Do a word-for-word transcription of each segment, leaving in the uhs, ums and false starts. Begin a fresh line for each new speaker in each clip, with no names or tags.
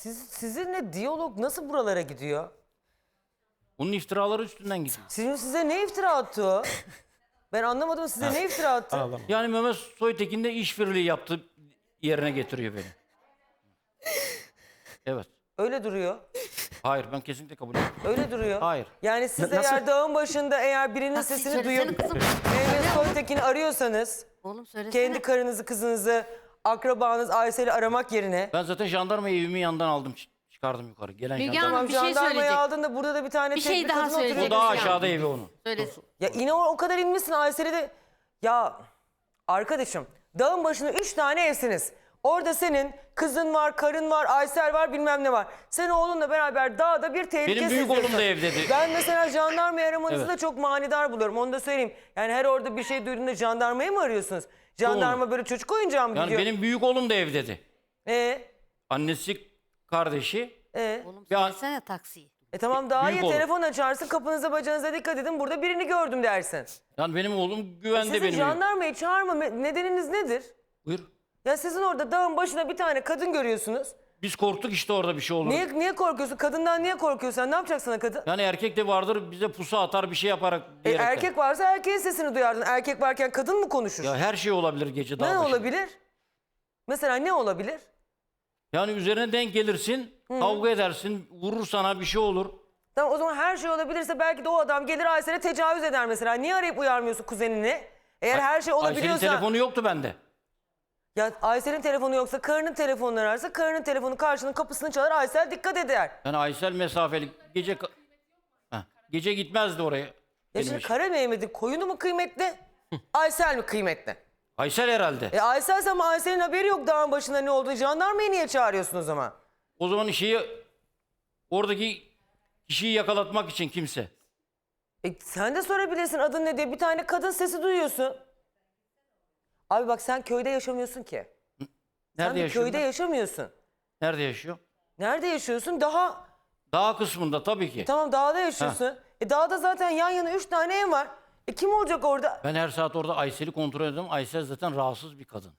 Siz, sizinle diyalog nasıl buralara gidiyor?
Onun iftiraları üstünden gidiyor.
Sizin size ne iftira attı o? Ben anlamadım, size ne iftira attı?
Ağlama.
Yani Mehmet Soytekin de işbirliği yaptı yerine getiriyor beni. Evet.
Öyle duruyor.
Hayır ben kesinlikle kabul etmiyorum.
Öyle duruyor.
Hayır.
Yani siz
Nasıl?
eğer dağın başında eğer birinin
Taksi
sesini
söylesene
duyup
kızım.
Mehmet Soytekin'i arıyorsanız
Oğlum söylesene.
kendi karınızı, kızınızı, akrabanız Aysel'i aramak yerine
Ben zaten jandarmayı evimin yanından aldım ç- çıkardım yukarı. Gelen
Müge
jandarma.
Hanım,
tamam
bir şey
jandarmayı
söyleyecek.
aldın da burada da bir tane
Bir
tek
şey daha
kadın
söyleyecek.
oturuyor.
O daha
Müge
aşağıda
Hanım.
evi onun.
Söylesin.
Ya yine o, o kadar inmişsin Aysel'i de. Ya arkadaşım dağın başında üç tane evsiniz. Orada senin kızın var, karın var, Aysel var, bilmem ne var. Sen oğlunla beraber dağda bir tehlike
Benim büyük
seziyorsun.
oğlum da evdeydi.
Ben mesela jandarmayı aramanızı
Evet.
da çok manidar buluyorum. Onu da söyleyeyim. Yani her orada bir şey duyduğunda jandarmayı mı arıyorsunuz? Jandarma böyle çocuk oyuncağı mı
Yani
gidiyor?
benim büyük oğlum da evdeydi.
Ee,
Annesi, kardeşi.
ee?
Oğlum
Ya-
söylesene taksiyi.
E tamam daha
Büyük
iyi
oğlum.
telefon açarsın, kapınıza bacağınıza dikkat edin. Burada birini gördüm dersin.
Yani benim oğlum güvende
Sizin
benim.
jandarmayı çağırma nedeniniz nedir?
Buyur.
Ya sizin orada dağın başında bir tane kadın görüyorsunuz.
Biz korktuk işte orada bir şey olur.
Niye niye korkuyorsun? Kadından niye korkuyorsun? Sen ne yapacaksın o kadın?
Yani erkek de vardır bize pusu atar bir şey yaparak
E,
diyerekten.
erkek varsa erkeğin sesini duyardın. Erkek varken kadın mı konuşur?
Ya her şey olabilir gece dağ
ne
başında.
olabilir? Mesela ne olabilir?
Yani üzerine denk gelirsin, kavga edersin, vurur sana bir şey olur.
Tamam o zaman her şey olabilirse belki de o adam gelir Aysel'e tecavüz eder mesela. Niye arayıp uyarmıyorsun kuzenini? Eğer her şey
Ayşe'nin
olabiliyorsa...
telefonu yoktu bende.
Ya Aysel'in telefonu yoksa karının telefonunu ararsa karının telefonu karşının kapısını çalar Aysel dikkat eder.
Yani Aysel mesafeli gece ka- Heh, gece gitmezdi oraya.
Ya
benim
şimdi
için.
Kara Mehmet'in koyunu mu kıymetli? Aysel mi kıymetli?
Aysel herhalde.
E Aysel ama Aysel'in haberi yok dağın başında ne olduğu. Jandarmayı niye çağırıyorsun o zaman?
O zaman şeyi oradaki kişiyi yakalatmak için kimse.
E sen de sorabilirsin adın ne diye. Bir tane kadın sesi duyuyorsun. Abi bak sen köyde yaşamıyorsun ki. Sen
Nerede
bir
yaşıyor?
köyde yaşamıyorsun.
Nerede yaşıyor?
Nerede yaşıyorsun? Daha
Dağ kısmında tabii ki.
tamam dağda yaşıyorsun. E dağda zaten yan yana üç tane ev var. E kim olacak orada?
Ben her saat orada Aysel'i kontrol ediyorum. Aysel zaten rahatsız bir kadın.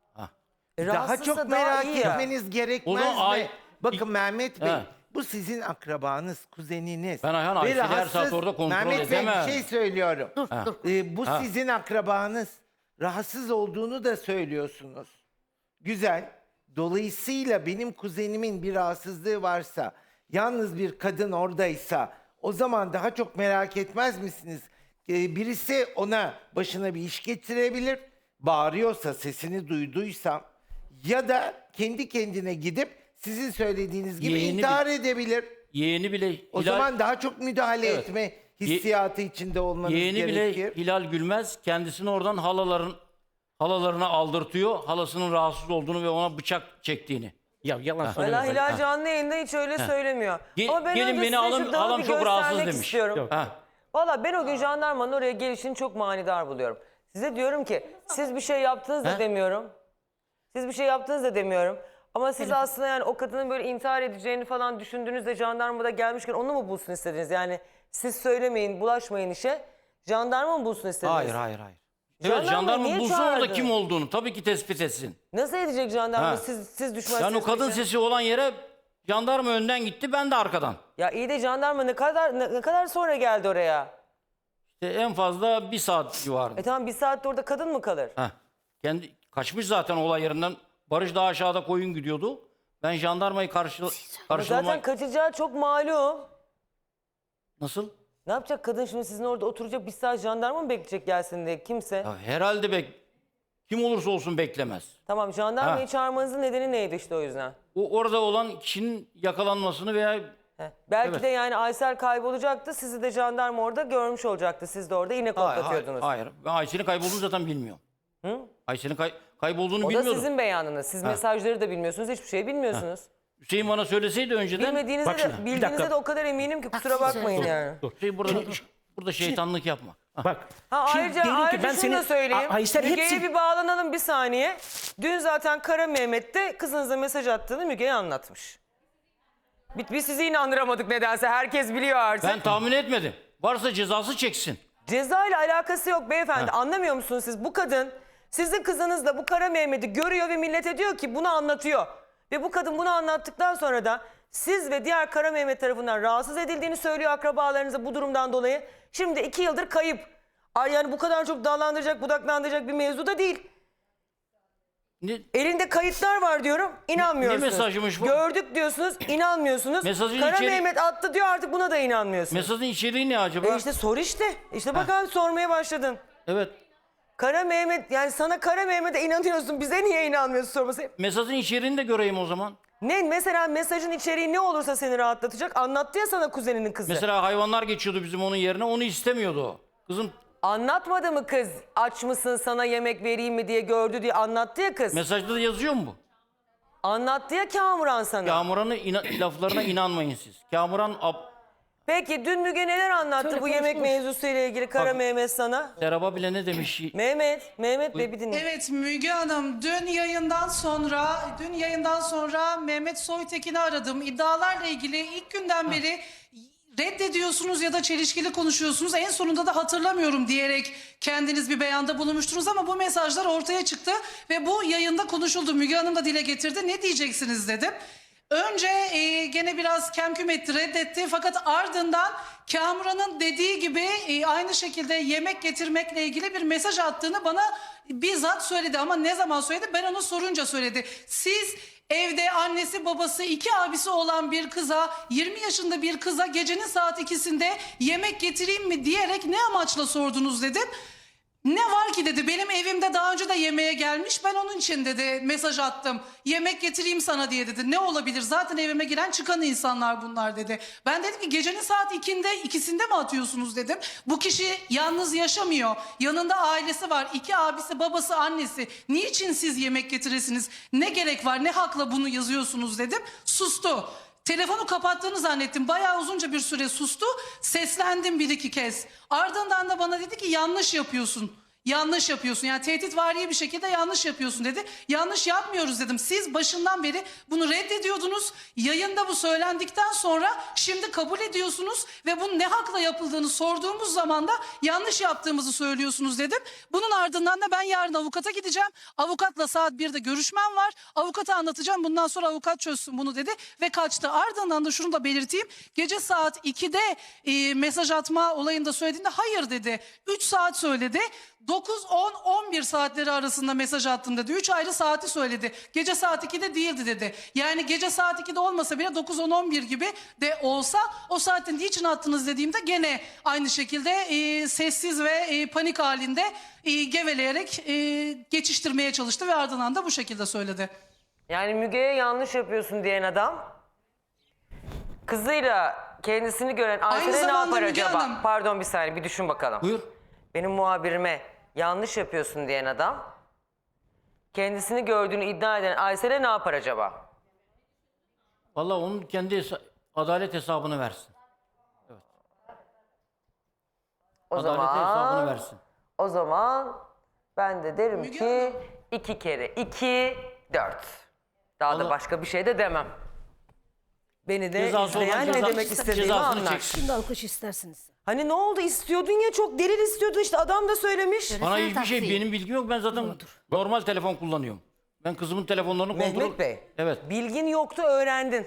E,
Daha
rahatsızsa
çok
daha
merak
iyi ya.
etmeniz gerekmez
O zaman
mi?
ay-
Bakın Mehmet Bey,
He.
bu sizin akrabanız, kuzeniniz.
Ben Ayhan
Ve
Ayşe'yi her
rahatsız-
saat orada kontrol
Mehmet Bey
edemem.
bir şey söylüyorum.
Dur dur.
Ee, bu
Ha.
sizin akrabanız. Rahatsız olduğunu da söylüyorsunuz. Güzel. Dolayısıyla benim kuzenimin bir rahatsızlığı varsa, yalnız bir kadın oradaysa o zaman daha çok merak etmez misiniz? Ee, birisi ona başına bir iş getirebilir. Bağırıyorsa, sesini duyduysam ya da kendi kendine gidip sizin söylediğiniz gibi
Yeğeni
intihar edebilir.
Yeğeni bile
O
Hilal,
zaman daha çok müdahale
Evet.
etme hissiyatı içinde olmanız
yeğeni bile
gerekir.
Hilal Gülmez kendisini oradan halaların halalarına aldırtıyor. Halasının rahatsız olduğunu ve ona bıçak çektiğini.
Ya yalan
Valla
söyleme.
Hilal canlı yayında hiç öyle söylemiyor.
Ge-
Ama ben
gelin
önce
beni
size
alın,
şu dağı
halam
bir
çok rahatsız
göstermek
demiş.
istiyorum.
Yok.
Ha.
Valla ben o gün jandarmanın oraya gelişini çok manidar buluyorum. Size diyorum ki siz bir şey yaptınız da
He?
demiyorum. Siz bir şey yaptınız da demiyorum. Ama siz aslında yani o kadının böyle intihar edeceğini falan düşündüğünüzde jandarmada gelmişken onu mu bulsun istediniz? Yani siz söylemeyin, bulaşmayın işe. Jandarma mı bulsun istediniz?
Hayır hayır hayır.
Jandarma
Evet jandarma
niye
bulsun orada
çağırdı?
kim olduğunu tabii ki tespit etsin.
Nasıl edecek jandarma
Ha.
siz, siz düşmezseniz?
Yani o kadın
bu işe?
sesi olan yere jandarma önden gitti ben de arkadan.
Ya iyi de jandarma ne kadar ne, ne kadar sonra geldi oraya?
İşte en fazla bir saat civarında.
E tamam bir saatte orada kadın mı kalır?
Heh. Kendi kaçmış zaten olay yerinden. Barış daha aşağıda koyun gidiyordu. Ben jandarmayı karşı, karşılama...
Zaten kaçacağı çok malum.
Nasıl?
Ne yapacak kadın şimdi sizin orada oturacak bir saat jandarma mı bekleyecek gelsin diye kimse?
Ya herhalde bek kim olursa olsun beklemez.
Tamam jandarmayı
Ha.
çağırmanızın nedeni neydi işte o yüzden?
O orada olan kişinin yakalanmasını veya
Heh. Belki
Evet.
de yani Aysel kaybolacaktı sizi de jandarma orada görmüş olacaktı. Siz de orada iğne
hayır, hayır,
koklatıyordunuz.
hayır. Ben Ayşe'nin kaybolduğunu zaten bilmiyorum.
Hı?
Ayşe'nin kay- kaybolduğunu
O da
bilmiyordum.
sizin beyanınız. Siz mesajları da bilmiyorsunuz, hiçbir şey bilmiyorsunuz.
Hüseyin bana söyleseydi önceden
Bilmediğinizde
Bak
de,
şimdi, bir
bildiğinizde
dakika.
de o kadar eminim ki kusura
Taksi
bakmayın
söyle.
yani.
şey burada burada şeytanlık yapma. Hah.
Bak.
Ha,
şimdi
ayrıca
diyelim ki
ayrıca
ben
şunu
seni-
da söyleyeyim.
A- Aysel
Müge'ye
hepsi...
bir bağlanalım bir saniye. Dün zaten Kara Mehmet de kızınıza mesaj attığını Müge'ye anlatmış. Biz, biz sizi inandıramadık nedense. Herkes biliyor artık.
Ben tahmin etmedim. Varsa cezası çeksin.
Ceza ile alakası yok beyefendi. Anlamıyor musunuz siz? Bu kadın sizin kızınızla bu Kara Mehmet'i görüyor ve millete diyor ki bunu anlatıyor. Ve bu kadın bunu anlattıktan sonra da siz ve diğer Kara Mehmet tarafından rahatsız edildiğini söylüyor akrabalarınıza bu durumdan dolayı. Şimdi iki yıldır kayıp. Ay yani bu kadar çok dağlandıracak, budaklandıracak bir mevzu da değil.
Ne,
Elinde kayıtlar var diyorum, inanmıyorsunuz.
Ne mesajıymış bu?
Gördük diyorsunuz, inanmıyorsunuz.
Mesajın
Kara
içeri-
Mehmet attı diyor, artık buna da inanmıyorsunuz.
mesajın içeriği ne acaba?
E işte sor işte. İşte bak abi sormaya başladın.
Evet.
Kara Mehmet, yani sana Kara Mehmet'e inanıyorsun, bize niye inanmıyorsun sorması.
Mesajın içeriğini de göreyim o zaman.
Ne mesela mesajın içeriği ne olursa seni rahatlatacak, anlattı ya sana kuzeninin kızı.
Mesela hayvanlar geçiyordu bizim onun yerine, onu istemiyordu o. Kızım
Anlatmadı mı kız, aç mısın sana yemek vereyim mi diye, gördü diye anlattı ya kız.
mesajda da yazıyor mu bu?
Anlattı ya Kamuran sana.
Kamuran'ın ina- laflarına inanmayın siz. Kamuran ab-
Peki dün Müge neler anlattı
Şöyle
bu yemek
konuşmuş.
mevzusuyla ilgili Kara
Bak-
Mehmet sana?
Serap'a bile ne demiş?
Mehmet, Mehmet Bey bir dinle.
Evet Müge Hanım, dün yayından sonra dün yayından sonra Mehmet Soytekin'i aradım. İddialarla ilgili ilk günden beri reddediyorsunuz ya da çelişkili konuşuyorsunuz. En sonunda da hatırlamıyorum diyerek kendiniz bir beyanda bulunmuştunuz ama bu mesajlar ortaya çıktı ve bu yayında konuşuldu. Müge Hanım da dile getirdi. Ne diyeceksiniz dedim. Önce e, gene biraz kemküm etti, reddetti fakat ardından Kamuran'ın dediği gibi e, aynı şekilde yemek getirmekle ilgili bir mesaj attığını bana bizzat söyledi ama ne zaman söyledi? Ben onu sorunca söyledi. Siz evde annesi babası iki abisi olan bir kıza, yirmi yaşında bir kıza gecenin saat ikisinde yemek getireyim mi diyerek ne amaçla sordunuz dedim. Ne var ki dedi, benim evimde daha önce de yemeğe gelmiş, ben onun için dedi mesaj attım. Yemek getireyim sana diye dedi. Ne olabilir, zaten evime giren çıkan insanlar bunlar dedi. Ben dedim ki gecenin saat ikinde, ikisinde mi atıyorsunuz dedim. Bu kişi yalnız yaşamıyor, yanında ailesi var, iki abisi babası annesi. Niçin siz yemek getiresiniz, ne gerek var, ne hakla bunu yazıyorsunuz dedim. Sustu. Telefonu kapattığını zannettim. Bayağı uzunca bir süre sustu. Seslendim bir iki kez. Ardından da bana dedi ki yanlış yapıyorsun. Yanlış yapıyorsun. Yani tehditvari bir şekilde yanlış yapıyorsun dedi. Yanlış yapmıyoruz dedim. Siz başından beri bunu reddediyordunuz. Yayında bu söylendikten sonra şimdi kabul ediyorsunuz ve bunun ne hakla yapıldığını sorduğumuz zaman da yanlış yaptığımızı söylüyorsunuz dedim. Bunun ardından da ben yarın avukata gideceğim. Avukatla saat birde görüşmem var. Avukata anlatacağım. Bundan sonra avukat çözsün bunu dedi ve kaçtı. Ardından da şunu da belirteyim. Gece saat ikide e, mesaj atma olayında söylediğinde hayır dedi. üç saat söyledi. dokuz, on, on bir saatleri arasında mesaj attım dedi. üç ayrı saati söyledi. Gece saat ikide değildi dedi. Yani gece saat ikide olmasa bile dokuz, on, on bir gibi de olsa o saatin niçin attınız dediğimde gene aynı şekilde e, sessiz ve e, panik halinde e, geveleyerek e, geçiştirmeye çalıştı ve ardından da bu şekilde söyledi.
Yani Müge'ye yanlış yapıyorsun diyen adam kızıyla kendisini gören Aysel'e ne
zamanda
yapar
Müge
acaba?
Hanım-
Pardon bir saniye, bir düşün bakalım.
Buyur.
Benim muhabirime yanlış yapıyorsun diyen adam kendisini gördüğünü iddia eden Aysel'e ne yapar acaba?
Vallahi onun kendi hesa- adalet hesabını versin.
O
Adalet
zaman
hesabını versin.
o zaman ben de derim
Müge
ki
Hanım.
iki kere iki dört. Daha da
Vallahi-
başka bir şey de demem. Beni de
Cezası olan
izleyen ne
ceza-
demek istediğimi
cezasını
anlar.
çeksin.
Şimdi alkış istersiniz.
Hani ne oldu, istiyordun ya, çok delil istiyordun işte, adam da söylemiş.
Bana
Telefon
hiçbir şey,
taksiyi.
benim bilgim yok. Ben zaten normal telefon kullanıyorum. Ben kızımın telefonlarını kontrol...
Mehmet Bey.
Evet.
Bilgin yoktu, öğrendin.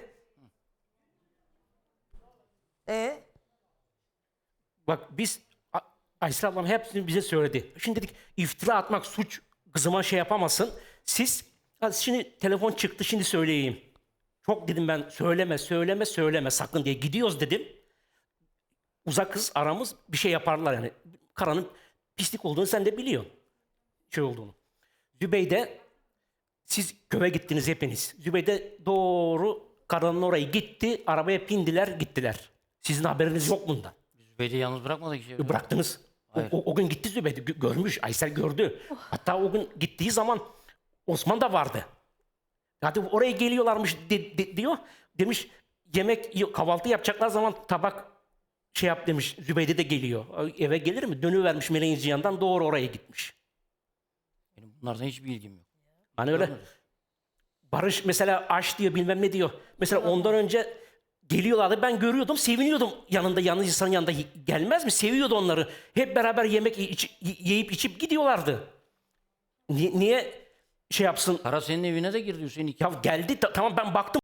E
Bak biz A- Aysel ablam hepsini bize söyledi. Şimdi dedik iftira atmak suç, kızıma şey yapamazsın. Siz hadi şimdi telefon çıktı şimdi söyleyeyim. Çok dedim ben söyleme söyleme söyleme sakın diye gidiyoruz dedim. Uzak kız aramız bir şey yaparlar yani. Karanın pislik olduğunu sen de biliyorsun. Şey olduğunu. Zübeyde siz köye gittiniz hepiniz. Zübeyde doğru karanın oraya gitti. Arabaya bindiler gittiler. Sizin haberiniz yok bundan.
Zübeyde'yi yalnız bırakmadık ki.
Bıraktınız. O,
Hayır.
o, o gün gitti Zübeyde. gö- Görmüş. Aysel gördü. Hatta o gün gittiği zaman Osman da vardı. Hadi oraya geliyorlarmış de- de- diyor. Demiş yemek yiyor, kahvaltı yapacaklar zaman tabak şey yap demiş. Zübeyde de geliyor. Eve gelir mi? Dönüvermiş Meleğin yanından doğru oraya gitmiş.
Benim bunlardan hiçbir bilgim yok.
Hani öyle Barış mesela aç diyor bilmem ne diyor. Mesela ondan önce geliyorlardı ben görüyordum seviniyordum yanında yalnız insanın yanında gelmez mi? Seviyordu onları. Hep beraber yemek iç- yiyip içip gidiyorlardı. Ni- niye şey yapsın.
Kara senin evine de girdi Hüseyin. iki-
Ya geldi ta- tamam ben baktım.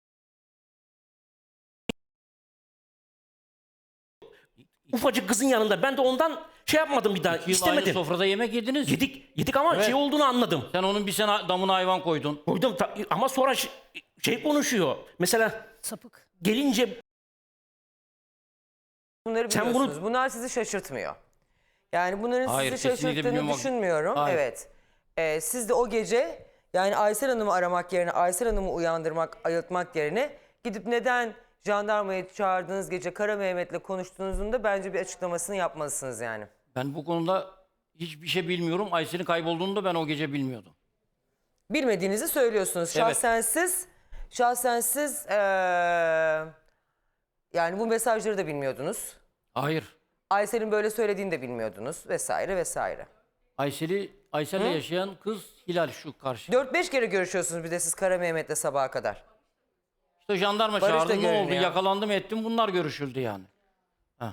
Ufacık kızın yanında. Ben de ondan şey yapmadım bir daha.
İki yıl
istemedim.
aynı sofrada yemek yediniz.
Yedik, yedik ama
Evet.
şey olduğunu anladım.
Sen onun bir sene damına hayvan koydun.
Koydum ta- ama sonra ş- şey konuşuyor. Mesela
Sapık.
gelince
Bunları
Sen bunu-
biliyorsunuz. Bunlar sizi şaşırtmıyor. Yani bunların
Hayır,
sizi
kesinlikle
şaşırttığını
bilmiyorum.
düşünmüyorum.
Hayır.
Evet. Ee, siz de o gece yani Aysel Hanım'ı aramak yerine, Aysel Hanım'ı uyandırmak, ayıltmak yerine gidip neden jandarmayı çağırdığınız gece Kara Mehmet'le konuştuğunuzun da bence bir açıklamasını yapmalısınız yani.
Ben bu konuda hiçbir şey bilmiyorum. Aysel'in kaybolduğunu da ben o gece bilmiyordum.
Bilmediğinizi söylüyorsunuz.
Evet.
Şahsen siz, şahsen siz ee, yani bu mesajları da bilmiyordunuz.
Hayır.
Aysel'in böyle söylediğini de bilmiyordunuz vesaire vesaire.
Aysel'i Aysel'le yaşayan kız Hilal şu karşı.
dört beş kere görüşüyorsunuz bir de siz Kara Mehmet'le sabaha kadar.
İşte jandarma
Barış da
çağırdı, ne oldu?
görünüyor.
Yakalandım ettim, bunlar görüşüldü yani. Ha.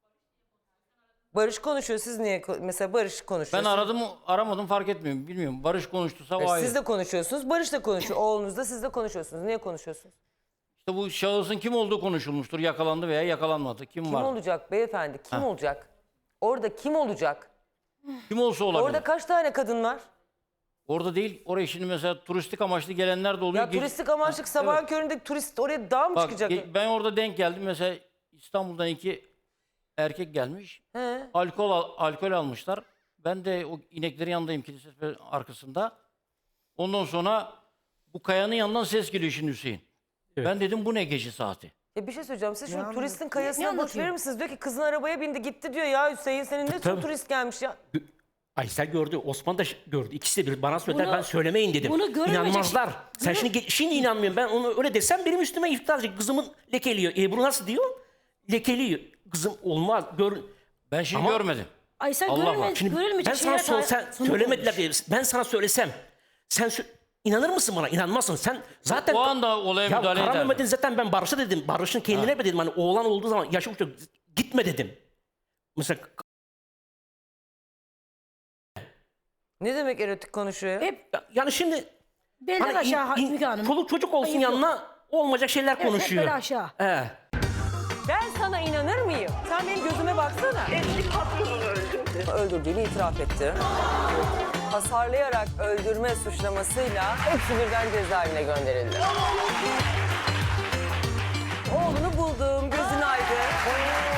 Barış konuşuyor. Siz niye ko- mesela Barış konuşuyor?
Ben
Siz-
aradım aramadım fark etmiyorum. Bilmiyorum. Barış konuştuysa o ayrı.
Siz de konuşuyorsunuz. Barış da konuşuyor. Oğlunuz da siz de konuşuyorsunuz. Niye konuşuyorsunuz?
İşte bu şahısın kim olduğu konuşulmuştur. Yakalandı veya yakalanmadı. Kim,
Kim
var?
olacak beyefendi? Kim
Ha.
olacak? Orada kim olacak?
Kim olsa olabilir.
Orada
Orada,
kaç tane kadın var?
değil. Oraya şimdi mesela turistik amaçlı gelenler de oluyor.
Ya
Ge-
turistik amaçlık sabahın
evet.
köründe turist oraya dağ mı
Bak,
çıkacak?
ge- ben orada denk geldim. Mesela İstanbul'dan iki erkek gelmiş.
He.
Alkol al- alkol almışlar. Ben de o ineklerin yanındayım, kilise arkasında. Ondan sonra bu kayanın yanından ses geliyor şimdi Hüseyin.
Evet.
Ben dedim bu ne gece saati?
Ya bir şey söyleyeceğim. Siz şimdi
Ne
turistin
Ne
kayasına boş
anlatıyor?
verir misiniz? Diyor ki kızın arabaya bindi gitti diyor ya Hüseyin senin ne
Tabii.
turist gelmiş ya.
Aysel gördü, Osman da ş- gördü. İkisi de bir bana söylediler,
Bunu-
ben söylemeyin dedim.
bunu göremeyecek-
İnanmazlar. Sen şimdi ge- şimdi inanmıyorum. Ben onu öyle desem benim üstüme iftira edecek. Kızımın lekeliyor. Ebru nasıl diyor? Lekeliyor. Kızım olmaz. Gör.
Ben şimdi
Ama-
görmedim.
Aysel
Allah
görülme,
var.
Şimdi
görülmeyecek
ben sana
şeyler
sor,
daha-
sen
sana
söylemediler
olmuş.
diye. Ben sana söylesem sen sö- inanır mısın bana? İnanmazsın. Sen zaten
O anda olaya
ya
müdahale
Kara
ederdim.
Mehmet'in zaten ben Barış'a dedim. Barış'ın kendine mi dedim. Hani oğlan olduğu zaman yaşı uçtu. Gitme dedim. Mesela
Ne demek erotik konuşuyor?
Hep
ya- yani şimdi
belden
hani
aşağı
in- in-
Müge Hanım.
çoluk çocuk olsun
Ayıp yok.
yanına olmayacak şeyler
Evet, hep
konuşuyor.
bel aşağı.
He.
Ben sana inanır mıyım? Sen benim gözüme baksana.
Eski patronunu öldürdü.
Öldürdüğünü itiraf etti. Hasarlayarak öldürme suçlamasıyla hepsi birden cezaevine gönderildi. Oğlunu buldum, gözün aydın.